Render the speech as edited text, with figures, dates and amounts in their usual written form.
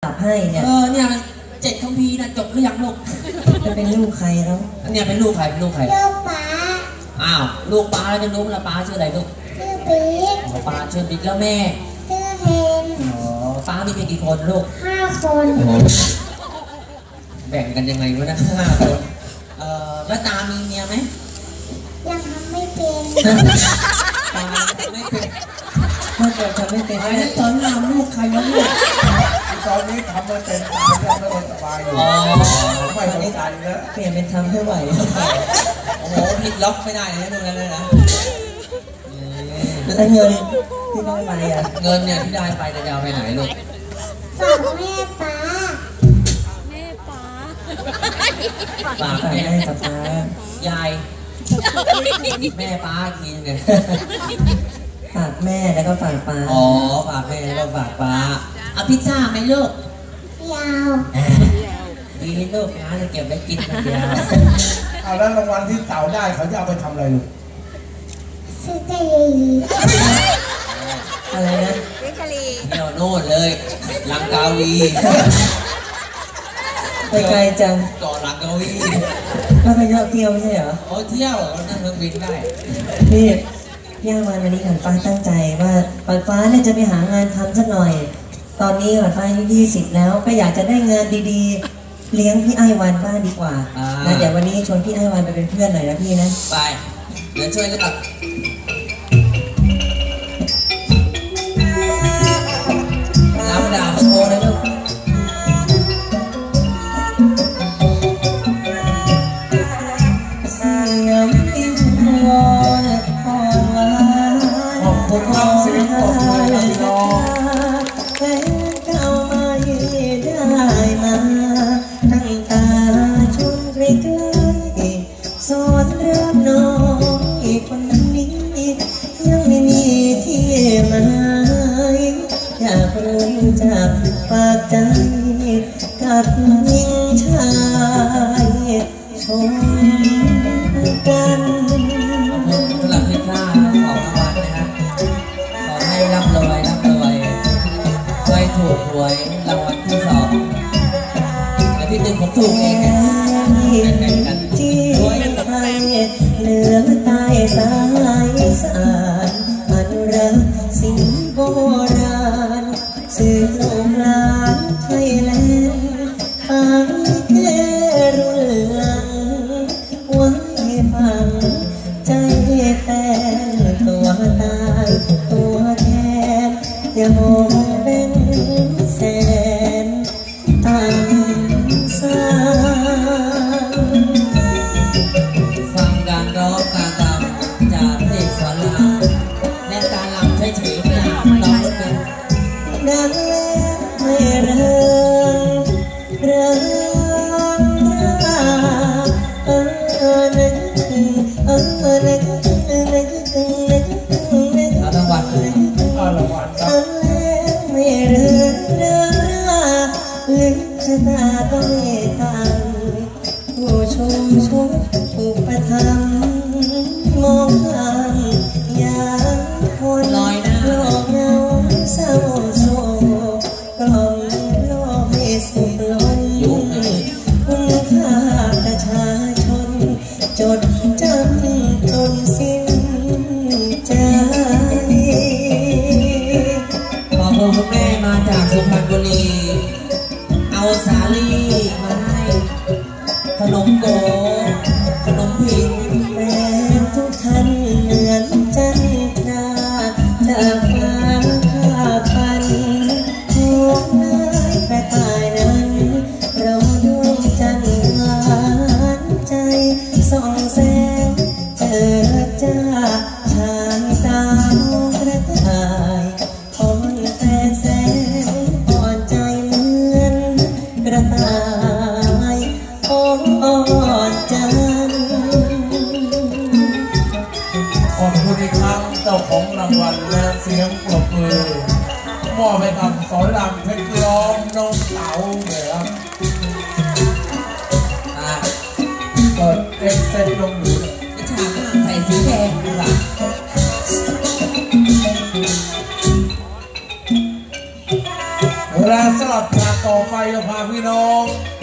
ตัดให้เนี่ยเนี่ยมัน7 คัมภีร์นะจบหรือยังลูกจะเป็นลูกใครแล้วเนี่ยเป็นลูกใครลูกป้าอ้าวลูกป้าแล้วจะรู้ละป้าชื่ออะไรลูกชื่อบิ๊กป้าชื่อบิ๊กแล้วแม่ชื่อเฮนป้ามีเพียงกี่คนลูก 5 คนแบ่งกันยังไงวะนะ5 คนแล้วตามีเมียไหมยังทำไม่เป็นตาไม่เป็นถ้าเกิดทำไม่เป็นแล้วตอนนำลูกใครวะเนี่ยตอนนี้ทำไม่เป็นตาไม่สบายอยู่ไม่สนใจแล้วเปลี่ยนเป็นทำให้ไหวโอ้โหผิดล็อกไม่ได้เลยนะตรงนั้นเลยนะแล้วเงินที่ได้ไปอ่ะเงินเนี่ยที่ได้ไปจะเอาไปไหนลูกฝากแม่ป้าฝากแม่กับป้ายายแม่ป้ากินไงฝากแม่แล้วก็ฝากป้าอ๋อฝากแม่แล้วก็ฝากป้าเอาพิซซ่าไหมลูกยาวดีลูกนะจะเก็บไว้กินคนเดียวเอาแล้วรางวัลที่เต่าได้เขาจะเอาไปทำอะไรลูกซื้อใจอะไรนะเที่ยวโน่นเลยลังกาวีไปไกลจังเกาะลังกาวีแล้วไปเที่ยวไม่ใช่เหรอโอ้เที่ยวเรานั่งเครื่องบินได้นี่พี่อาวันนี้ขวัญฟ้าตั้งใจว่าขวัญฟ้าเนี่ยจะไปหางานทำสักหน่อยตอนนี้ขวัญฟ้าอายุ20แล้วก็อยากจะได้งานดีๆเลี้ยงพี่ไอ้วันบ้างดีกว่านะเดี๋ยววันนี้ชวนพี่ไอ้วันไปเป็นเพื่อนหน่อยนะพี่นะไปเดี๋ยวช่วยกันตัดน้ำดาบโชว์เลยลูกจากปากใจกับหญิงชายชมกันสำหรับพิซซ่าของรางวัลนะฮะขอให้ร่ำรวยช่วยถูกหวยรางวัลที่2และที่1ผมถูกเองกันที่ไทยเหลือใต้สายสารอนุรักษ์สิ่งโบราณสื่อลูกหลานไทยแลนด์หายแค่รุ่นหลังไว้ฟังใจแฟนตัวตายตัวแทนอย่ามองเป็นแสนตามสายฟังการร้องการรำจากเพลงสอนรามและการรำเฉยๆเนี่ยน้องเป็นดังแล้วไม่เริ่มนึกเอารางวัลเลยเอารางวัลครับไม่เริ่มลึกชะตาต้องตังผู้ชมผู้ประทับมองข้างอย่างคนลอยหน้าโลกเงาเศร้าโศกกล่อมโลกให้สุขล้นคุณค่าประชาชนจดจำจนสิ้นใจขอบคุณคุณแม่มาจากสุพรรณบุรีเอาสาลี่มาให้ขนมโกขนมผิงแฟนทุกท่านเหมือนจันทราจากฟ้าข้าฝันหัวหน้ากระต่ายนั้นเราดวงจันทร์หวานใจส่องแสงเจิดจ้าชายตากระต่ายอ่อนแต่แสงอ่อนใจเหมือนกระต่ายอ่อนจันขอบคุณอีกครั้งเจ้าของรางวัลและเสียงปรบมือมอบให้กับสอนรามเพชรล้อมน้องเต๋าเลยครับเปิดเอ็กเซนลงดูวิชาใส่สีแดงดีกว่าและสำหรับพากไปจะพาพี่น้อง